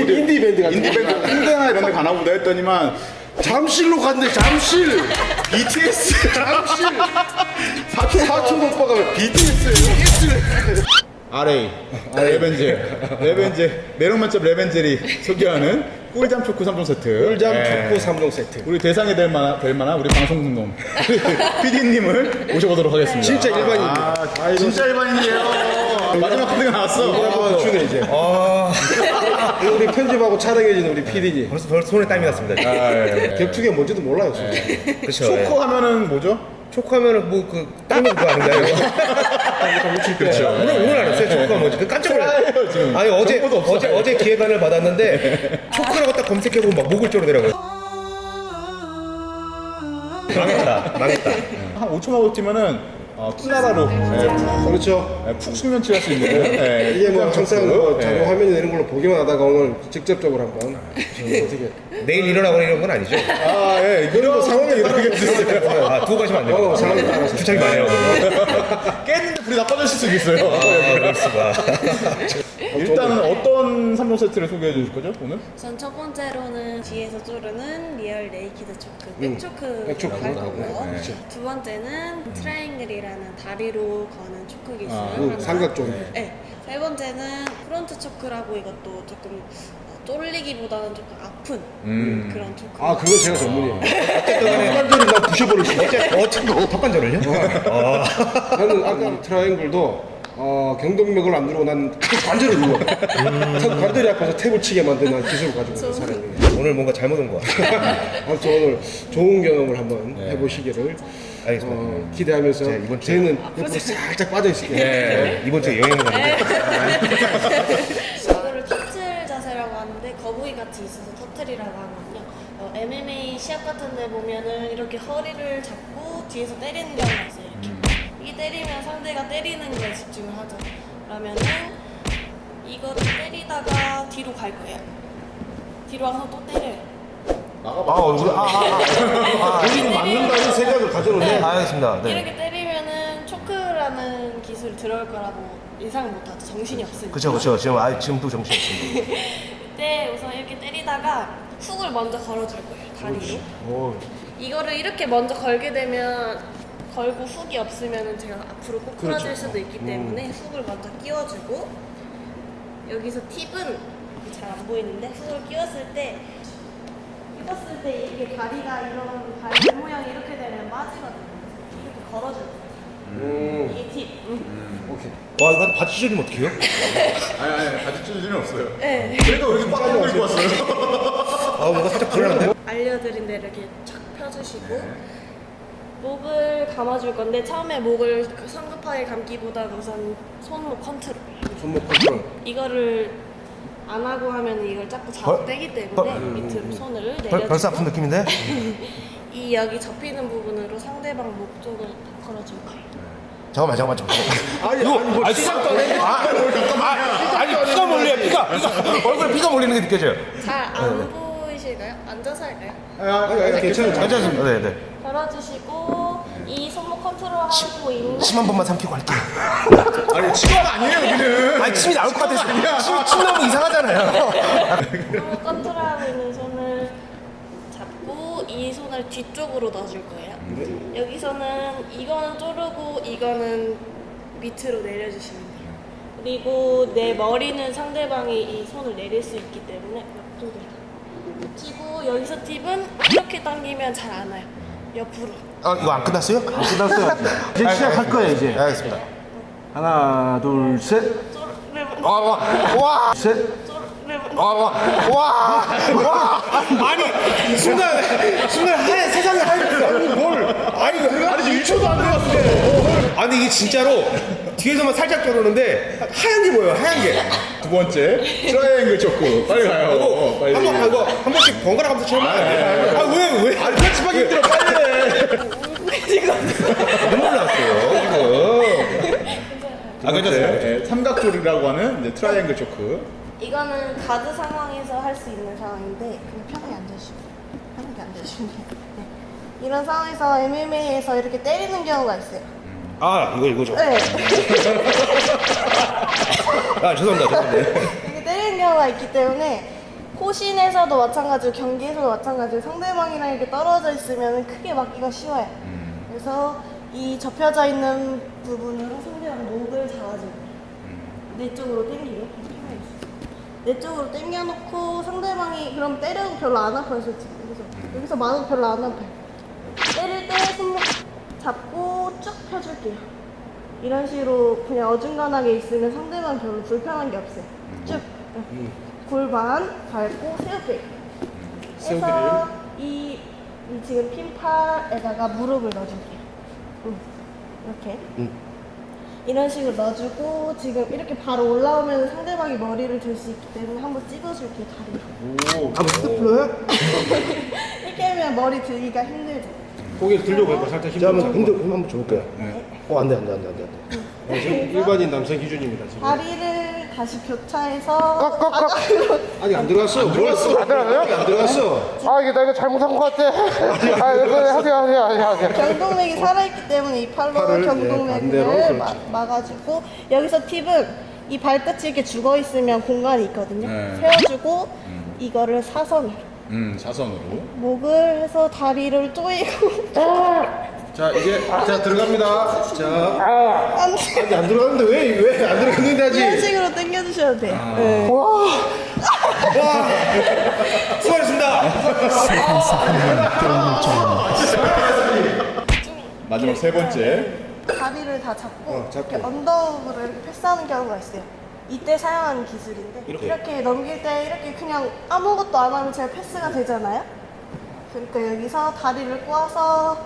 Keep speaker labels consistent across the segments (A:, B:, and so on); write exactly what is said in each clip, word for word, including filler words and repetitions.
A: 인디 밴드 같은
B: 인디 밴드 홍대나 이런 데 가나 보다 했더니만
A: 잠실로 갔는데 잠실
B: 비티에스
A: 잠실 사촌 사촌 오빠가 비티에스예요.
B: 알에이 레벤젤 레벤젤 매력 만점 레벤젤이 소개하는 꿀잠 초코 삼 종 세트.
A: 꿀잠
B: 예.
A: 초코 삼 종 세트.
B: 우리 대상이 될 만한, 될 만한 우리 방송놈 피디님을 모셔보도록 하겠습니다.
A: 진짜 일반인입니다.
B: 아, 아, 진짜 일반인이에요. 마지막 카드가 나왔어.
A: 한번 주네 이제.
C: 아,
A: 우리 편집하고 촬영해주는 우리 피디님.
C: 벌써 벌써 손에 땀이 났습니다.
B: 아, 예, 예.
A: 격투기가 뭔지도 몰라요. 진짜.
C: 그렇죠.
B: 초코 하면은 뭐죠?
C: 초코하면은 뭐그 땀을 그거 아닌가요?
B: 그렇죠.
C: 오늘 오늘 알았어요. 초코가 뭔지. 그 깜짝 놀랐어요.
B: 지금
C: 아니 어제
B: 정보도 없어요.
C: 어제 어제 기획안을 받았는데 초코라고 딱 검색해보면 막 목을 조르더라고요. 망했다, 망했다.
B: 한 오 초만 버티면은 어, 투나라로 예,
A: 그렇죠.
B: 예, 푹 숙면치할 수 있는 예,
A: 이게 뭐
B: 꿀잠
A: 항상
B: 초코.
A: 뭐
B: 예.
A: 자동 화면이 되는 걸로 보기만 하다가 오늘 직접적으로 한번 어떻게
C: 내일 일어나거나 이런 건 아니죠?
B: 아, 예, 이런 상황에 이러겠어요.
C: 아, 두고 가시면 안 돼요.
A: 어, 상황에 따라서
C: 주착이 많아요.
B: 깼는데 불이 다 꺼졌을 수도 있어요.
C: 아, 그럴 수가.
B: 일단은 어떤 삼 종 세트를 소개해 주실 거죠, 오늘?
D: 전 첫 번째로는 뒤에서 조르는 리얼 네이키드 초크,
A: 음,
D: 백초크라고
A: 백초크.
D: 할 거고요.
B: 네.
D: 두 번째는 트라이앵글이라는 다리로 거는 초크 기술.
B: 아,
A: 그
D: 하나.
A: 삼각존.
D: 네. 세 번째는 프론트 초크라고 이것도 조금 어, 쫄리기보다는 조금 아픈
B: 음.
D: 그런 초크.
A: 아 그건 제가 전문이에요.
C: 어쨌든 간에
A: 관절이 나 부셔버릴 수 있어.
C: 어쨌든 턱관절을요? 아,
A: 나는 아까 트라이앵글도 어, 경동맥을 안 누르고 난 관절을 눌러. 턱 관절이 아파서 탭을 치게 만드는 기술을 가지고 있는 사람이에요.
C: 오늘 뭔가 잘못 온 거 같아.
A: 아무튼 오늘 좋은 경험을 한번 해보시기를
C: 알겠습니다.
A: 어, 기대하면서
C: 제가 이번 주에-
A: 저희는 옆으로 살짝 빠져있을게요.
B: 네.
C: 이번 주에 여행 가는데
D: 이거를 터틀 자세라고 하는데 거북이 같이 있어서 터틀이라고 하거든요. 어, 엠엠에이 시합 같은 데 보면은 이렇게 허리를 잡고 뒤에서 때리는 경우가 있어요. 이렇게. 이 때리면 상대가 때리는 거에 집중을 하죠. 그러면은 이거를 때리다가 뒤로 갈 거예요. 뒤로 와서 또 때려요.
C: 아, 얼굴 아, 아, 아, 아,
A: 본인이 맞는다는 생각을 가져놓네.
C: 아, 알겠습니다. 네.
D: 이렇게 때리면은 초크라는 기술이 들어올 거라고 예상을 못하죠. 정신이 없으니까.
C: 그렇죠, 그렇죠. 지금 아, 지금 또 정신 없습니다.
D: 그때 우선 이렇게 때리다가 훅을 먼저 걸어줄 거예요. 다리로.
A: 오,
D: 이거를 이렇게 먼저 걸게 되면 걸고 훅이 없으면 제가 앞으로 꼬꾸라질
A: 그렇죠.
D: 수도 있기 때문에 훅을 먼저 끼워주고 여기서 팁은 잘 안 보이는데 훅을 끼웠을 때 끼웠을 때 이게 다리가 이런 발 모양이 이렇게 되면 빠지거든요. 이렇게 걸어줄 거예요.
A: 음,
D: 이게 팁.
A: 오케이.
C: 와, 이거 바지 찢어지면 어떡해요?
B: 아니, 아니, 바지 찢어지는 없어요.
D: 네.
B: 그래도 왜 이렇게 빡빡 입고 왔어요?
C: 아, 뭔가 살짝 불안한데?
D: 알려드린 대로 이렇게 쫙 펴주시고 목을 감아줄 건데 처음에 목을 그 성급하게 감기보다는 우선 손목 컨트롤.
A: 손목 컨트롤.
D: 이거를 안 하고 하면 이걸 자꾸
C: 벌-
D: 잡대기 때문에
C: 벌-
D: 밑으로 손을 내려주고
C: 벌, 벌써 아픈 느낌인데?
D: 이 여기 접히는 부분으로 상대방 목 쪽을 걸어줄 거예요.
C: 잠깐만, 잠깐만, 잠깐만.
A: 아니, 아니, 뭐 시작도 안 해.
C: 아, 아, 아니, 피가 몰려요, 피가. 피가. 얼굴에 피가 몰리는 게 느껴져요.
D: 잘 안 보이실까요? 앉아서 할까요?
A: 아니, 아니, 괜찮아요.
C: 괜찮습니다. 네, 네.
D: 걸어주시고 이 손목 컨트롤 하고 있는
C: 침 한 번만 삼키고 할게요.
B: 아니, 치과가 아니에요, 여기는.
C: 아니, 침이 나올 것 같아서. 침, 침 나오면 이상하잖아요.
D: 손목 컨트롤 하고 있는 손을 잡고 이 손을 뒤쪽으로 넣어줄 거예요. 여기서는 이거는 쪼르고 이거는 밑으로 내려주시면 돼요. 그리고 내 머리는 상대방이 이 손을 내릴 수 있기 때문에 옆쪽으로 튀고 여기서 팁은 이렇게 당기면 잘 안 와요. 옆으로.
C: 아, 이거 안 끝났어요? 안 끝났어요.
A: 이제 시작할 거예요, 이제.
C: 네, 알겠습니다.
A: 하나, 둘, 셋.
D: 쪼르르
C: 와, 와, 와,
A: 셋.
D: 쪼르르
C: 와, 와, 와, 와. 아니, 순간, 순간 하얀, 세상에 하얀, 아니, 뭘. 아니, 아니, 일 초도 안 되었는데. 아니, 이게 진짜로 뒤에서만 살짝 저러는데 하얀 게 뭐예요, 하얀 게.
B: 두 번째, 트라이앵글 초코. 빨리 가요. 어, 빨리.
C: 한 번, 아, 이거 한 번씩 번갈아 가면서 체험해야 돼. 아, 왜, 왜?
B: 아니, 편집하기 힘들어, 빨리 해.
C: 눈물 났어요, 지금. 아, 괜찮아요.
B: 네, 삼각조리라고 하는 이제 트라이앵글 초크.
D: 이거는 가드 상황에서 할 수 있는 상황인데 그냥 편하게 앉아주시고 편하게 앉아주시면 돼요. 네. 이런 상황에서 엠엠에이에서 이렇게 때리는 경우가 있어요.
C: 아, 이거, 이거죠.
D: 네.
C: 아, 죄송합니다, 죄송합니다.
D: 이렇게 때리는 경우가 있기 때문에 호신에서도 마찬가지고 경기에서도 마찬가지고 상대방이랑 이렇게 떨어져 있으면 크게 맞기가 쉬워요.
B: 음.
D: 그래서 이 접혀져 있는 부분으로 상대방 목을 잡아주는 거예요. 내 쪽으로 당기고 내 쪽으로 당겨놓고 상대방이 그럼 때려도 별로 안 아파요 솔직히. 그래서 여기서 맞아도 별로 안 아파요. 때릴 때 손목 잡고 쭉 펴줄게요. 이런 식으로 그냥 어중간하게 있으면 상대방 별로 불편한 게 없어요. 쭉
A: 음.
D: 골반 밟고 세우기.
A: 세우기를?
D: 해서 이, 이 지금 핀팔에다가 무릎을 넣어줄게요. 음. 이렇게.
A: 음.
D: 이런 식으로 넣어주고 지금 이렇게 바로 올라오면 상대방이 머리를 들 수 있기 때문에 한번 찍어줄게요 다리로.
A: 오. 한번 스태플러요?
D: 이렇게 하면 머리 들기가 힘들죠.
A: 고개를 들려고 해봐. 살짝
C: 자, 한번
A: 힘들어.
C: 힘들 한번 줘볼게요. 어, 안 돼, 안 돼, 안 돼, 안 돼. 안 돼.
A: 어, 지금 일반인 남성 기준입니다 지금.
D: 다리를 다시 교차해서
C: 꽉, 꽉, 꽉.
D: 바닥으로
A: 아니 안 들어갔어. 들어갔어. 안
C: 들어가요?
A: 안 들어갔어.
C: 아, 이게 나 이거 잘못한 것 같아. 아, 이거 하세요, 하세요, 하세요, 하세요.
D: 경동맥이 살아있기 때문에 이 팔로
A: 팔을, 예,
D: 경동맥을
A: 반대로, 그렇지.
D: 마, 막아주고 여기서 팁은 이 발끝이 이렇게 죽어 있으면 공간이 있거든요.
B: 네.
D: 세워주고 이거를 사선으로
B: 음, 사선으로.
D: 목을 해서 다리를 조이고
A: 자 이제 자 들어갑니다. 자
D: 안 돼.
A: 아니 안 들어갔는데 왜 왜 안 들어갔는데
D: 이런
A: 아직.
D: 식으로 당겨주셔도 돼요.
A: 아.
D: 네.
C: 수고하셨습니다.
B: 마지막 세 번째.
D: 다리를 다 잡고,
A: 어, 잡고.
D: 이렇게 언더으로 이렇게 패스하는 경우가 있어요. 이때 사용하는 기술인데
A: 이렇게?
D: 이렇게, 넘길 때 이렇게 그냥 아무것도 안 하면 제가 패스가 되잖아요. 그러니까 여기서 다리를 꼬아서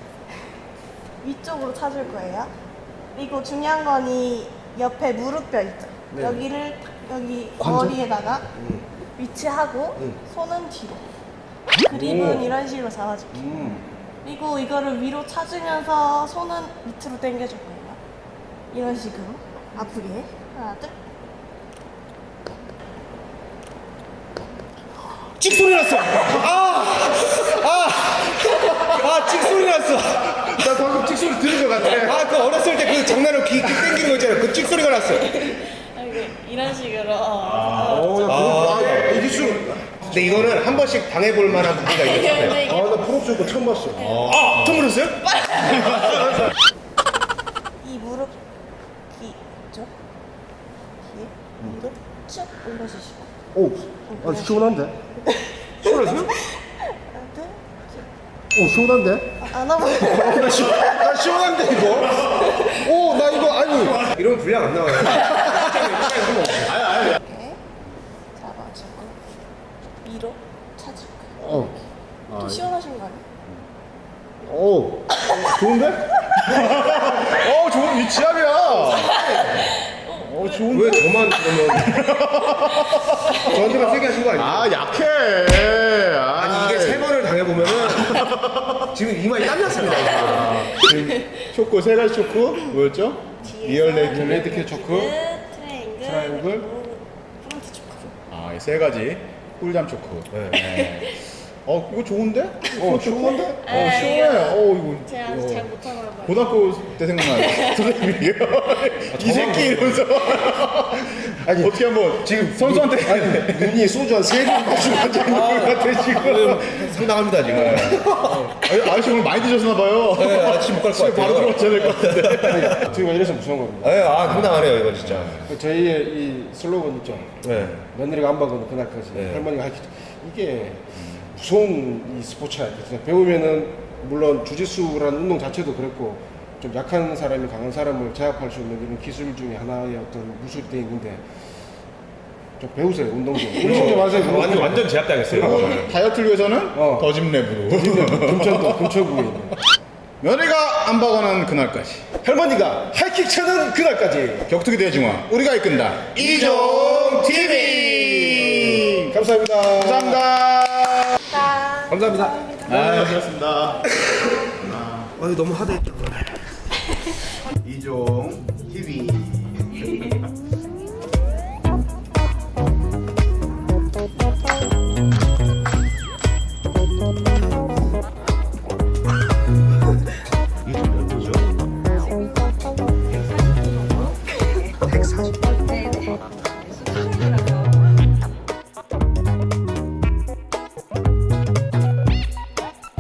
D: 위쪽으로 차줄 거예요. 그리고 중요한 건 이 옆에 무릎뼈 있죠.
A: 네.
D: 여기를 여기
A: 관절?
D: 머리에다가
A: 음.
D: 위치하고
A: 음.
D: 손은 뒤로. 그립은
A: 오.
D: 이런 식으로 잡아줄게요.
A: 음.
D: 그리고 이거를 위로 차주면서 손은 밑으로 당겨줄 거예요. 이런 식으로 아프게 하나 둘.
C: 찍 소리 났어. 아, 아, 아, 찍 소리 났어.
A: 나 방금 찍 소리 들은 것 같아.
C: 아, 그 어렸을 때 그 장난으로 귀, 귀 땡기는 거 있잖아요. 그 찍 소리가 났어.
D: 이런 식으로.
A: 어,
D: 어.
A: 나
C: 아.
A: 그거 아, 이게 좀.
C: 근데 이거는 한 번씩 당해볼 만한 부분가 있는 것 같아요.
D: 근데 이게
A: 아, 나 프로스 거 처음 봤어.
C: 아, 처음 들었어요?
D: 이 무릎 귀 있죠? 귀에 무릎 쭉 올려주시고.
A: 오, 아 시원한데? 시원하세요?
D: 하나 둘.
A: 오, 시원한데?
D: 아, 안 하면.
A: 나, 시, 나 시원한데 이거? 오, 나 이거 아니.
C: 이러면 분량 안 나와요.
D: 이렇게 잡아주고 위로 차줄 거예요.
A: 어,
D: 좀 시원하신 거 아니에요?
A: 오, 좋은데?
B: 어, 좋은 위치함이야. 어, 좋은데?
C: 왜 저만 그러면 저한테만 세게 하신 거 아니에요?
B: 아, 약해. 아,
C: 아니 이게 세 번을 당해보면은 지금 이마에 땀 났습니다.
B: 초코, 세 가지 초코. 뭐였죠? 리얼 레이크.
A: 레드캣 초크.
D: 트라이앵글,
A: 트라이앵글.
D: 그리고 프론트 초크.
B: 아, 이 세 가지. 꿀잠 초코. 네. 어, 이거 좋은데?
A: 어, 시원한데?
B: 어, 시원해. 어, 이거.
D: 제가 아직 잘 못하나 봐요.
B: 고등학교 때 생각나요. 선생님이요. 이 새끼 이러면서.
A: 아니,
B: 어떻게 한번 지금 선수한테.
A: 아니, 눈이 소주 한세잔 마시고 앉아있는 것 같아, 지금.
C: 상당합니다 지금.
B: 아, 아저씨 오늘 많이 드셨나봐요.
C: 네, 아침 못갈 것
B: 집에 바로
C: 같아요.
B: 들어가셔야 될 것 같은데.
A: 저희가 이래서 무서운 겁니다.
C: 네, 아 상당하네요 이건 진짜.
A: 저희의 이 슬로건 있죠.
C: 네.
A: 며느리가 안 박으면 그날까지.
C: 네.
A: 할머니가 하기 이게 무서운 이 스포츠야. 그래서 배우면은 물론 주짓수라는 운동 자체도 그랬고 좀 약한 사람이 강한 사람을 제압할 수 있는 이런 기술 중에 하나의 어떤 무술이 돼 있는데 좀 배우세요 운동 좀. 우리 좀 하세요.
C: 완전 완전 제압당했어요.
B: 다이어트를 위해서는
A: 어.
B: 더짐랩으로.
A: 금천도 금천구에 있는.
B: 며느리가 안 박아는 그날까지.
C: 할머니가 하이킥 차는 그날까지
B: 격투기 대중화. 우리가 이끈다.
C: 이종 티비.
A: 감사합니다.
B: 감사합니다.
D: 자,
C: 감사합니다.
B: 아, 수고하셨습니다.
C: 아, 너무 하드했다.
B: 이종